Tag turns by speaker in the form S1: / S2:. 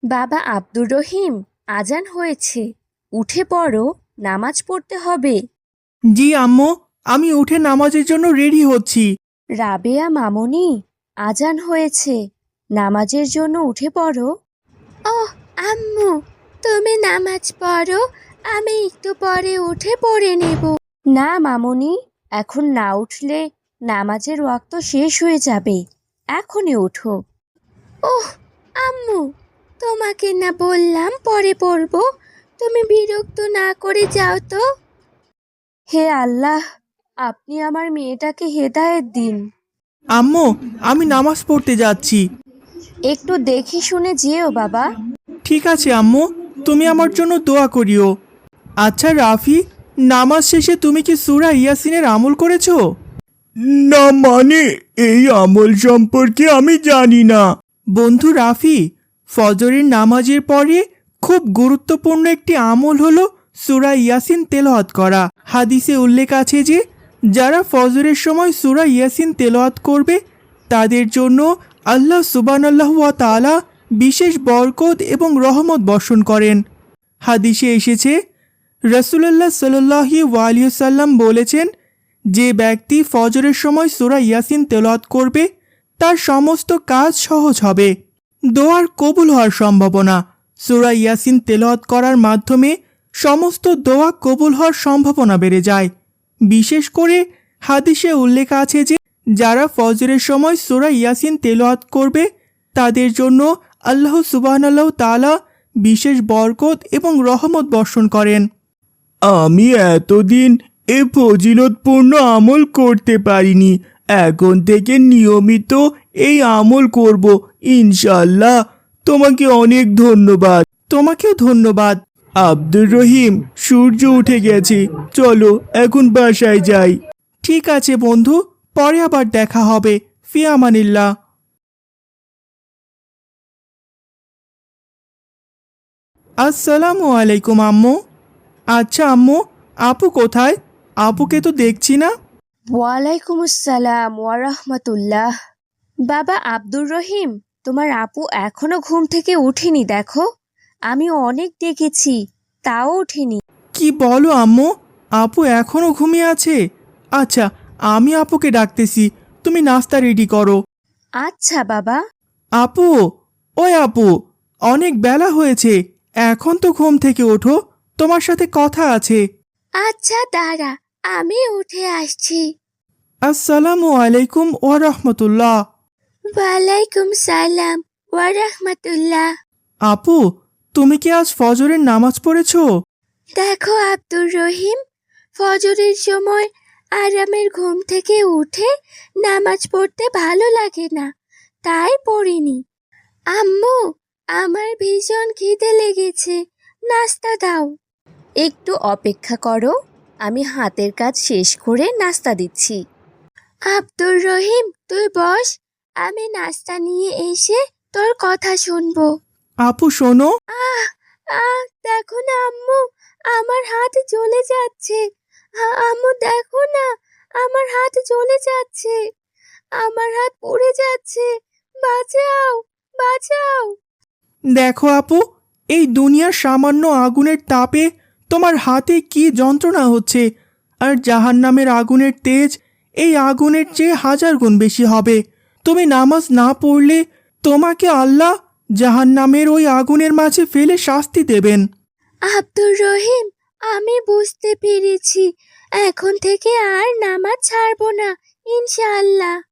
S1: বাবা আব্দুর রহিম, আজান হয়েছে, উঠে পড়ো, নামাজ পড়তে হবে।
S2: জি আম্মু, আমি উঠে নামাজের জন্য রেডি হচ্ছি।
S1: রাবেয়া মামুনি, আজান হয়েছে, নামাজের জন্য উঠে পড়ো। ওহ আম্মু, তুমি নামাজ পড়ো, আমি একটু পরে উঠে পড়ে নেব। না মামুনি, এখন না উঠলে নামাজের ওয়াক্ত শেষ হয়ে যাবে, এখনই ওঠো। ওহ আম্মু, তোমাকে না বললাম পরে পড়বো, তুমি বিরক্ত না করে যাও তো। হে আল্লাহ, আপনি আমার মেয়েটাকে হেদায়েত দিন।
S2: আম্মু, আমি নামাজ পড়তে যাচ্ছি।
S1: একটু দেখে শুনে যেও বাবা।
S2: ঠিক আছে আম্মু, তুমি আমার জন্য দোয়া করিও। আচ্ছা রাফি, নামাজ শেষে তুমি কি সূরা ইয়াসিনের আমল করেছো? না মানে, এই আমল সম্পর্কে আমি জানি না। বন্ধু রাফি, ফজরের নামাজের পরে খুব গুরুত্বপূর্ণ একটি আমল হলো সূরা ইয়াসিন তেলাওয়াত করা। হাদিসে উল্লেখ আছে যে যারা ফজরের সময় সূরা ইয়াসিন তেলাওয়াত করবে তাদের জন্য আল্লাহ সুবহানাল্লাহু ওয়া তাআলা বিশেষ বরকত এবং রহমত বর্ষণ করেন। হাদিসে এসেছে, রাসূলুল্লাহ সাল্লাল্লাহু আলাইহি ওয়াসাল্লাম বলেছেন, যে ব্যক্তি ফজরের সময় সূরা ইয়াসিন তেলাওয়াত করবে তার সমস্ত কাজ সহজ হবে। দোয়ার কবুল হওয়ার সম্ভাবনা। সূরা ইয়াসিন তেলাওয়াত করার মাধ্যমে সমস্ত দোয়া কবুল হওয়ার সম্ভাবনা বেড়ে যায়। বিশেষ করে হাদিসে উল্লেখ আছে যে যারা ফজরের সময় সূরা ইয়াসিন তেলাওয়াত করবে তাদের জন্য আল্লাহ সুবহানাল্লাহু তাআলা বিশেষ বরকত এবং রহমত বর্ষণ করেন। আমি এতদিন এ ফজিলতপূর্ণ আমল করতে পারিনি, এখন থেকে নিয়মিত এই আমল করব ইনশাআল্লাহ। তোমাকে অনেক ধন্যবাদ। তোমাকেও ধন্যবাদ। আব্দুর রহিম, সূর্য উঠে গেছে, চলো এখন বাসায় যাই। ঠিক আছে বন্ধু, পরে আবার দেখা হবে। ফি আমানিল্লাহ। আসসালামু আলাইকুম আম্মু। আচ্ছা আম্মু, আপু কোথায়? আপুকে তো দেখছি না।
S1: ওয়ালাইকুম আসসালাম ওয়া রাহমাতুল্লাহ। বাবা আব্দুর রহিম, তোমার আপু এখনো ঘুম থেকে উঠেনি দেখো, আমি অনেক ডেকেছি, তাও ওঠেনি।
S2: কি বলো আম্মু, আপু এখনো ঘুমিয়ে আছে? আচ্ছা, আমি আপুকে ডাকতেছি, তুমি নাস্তা রেডি করো।
S1: আচ্ছা বাবা।
S2: আপু, ওই আপু, অনেক বেলা হয়েছে, এখন তো ঘুম থেকে ওঠো, তোমার সাথে কথা আছে।
S1: আচ্ছা দাঁড়া, আমি উঠে আসছি।
S2: আসসালামু আলাইকুম ওয়া রাহমাতুল্লাহ।
S1: ওয়ালাইকুম সালাম ওয়া রাহমাতুল্লাহ।
S2: আপু, তুমি কি আজ ফজরের নামাজ পড়েছো?
S1: দেখো আব্দুর রহিম, ফজরের সময় আরামের ঘুম থেকে উঠে নামাজ পড়তে ভালো লাগে না, তাই পড়িনি। আম্মু, আমার ভীষণ খিদে লেগেছে, নাস্তা দাও। একটু অপেক্ষা করো, আমি হাতের কাজ শেষ করে নাস্তা দিচ্ছি। আব্দুর রহিম তুই বস, আমি নাস্তা নিয়ে এসে তোর কথা শুনবো।
S2: আপু শোনো।
S1: আহ আহ দেখো না আম্মু, আমার হাত জ্বলে যাচ্ছে। আম্মু দেখো না, আমার হাত জ্বলে যাচ্ছে, আমার হাত পুড়ে যাচ্ছে, বাঁচাও, বাঁচাও।
S2: দেখো আপু, এই দুনিয়ার সামান্য আগুনের তাপে তোমার হাতে কি যন্ত্রণা হচ্ছে, আর জাহান্নামের আগুনের তেজ এই আগুনের চেয়ে 1000 গুণ বেশি হবে। তুমি নামাজ না পড়লে তোমাকে আল্লাহ জাহান্নামের ওই আগুনের মাঝে ফেলে শাস্তি দেবেন।
S1: আব্দুর রহিম, আমি বুঝতে পেরেছি, এখন থেকে আর নামাজ ছাড়বো না ইনশাআল্লাহ।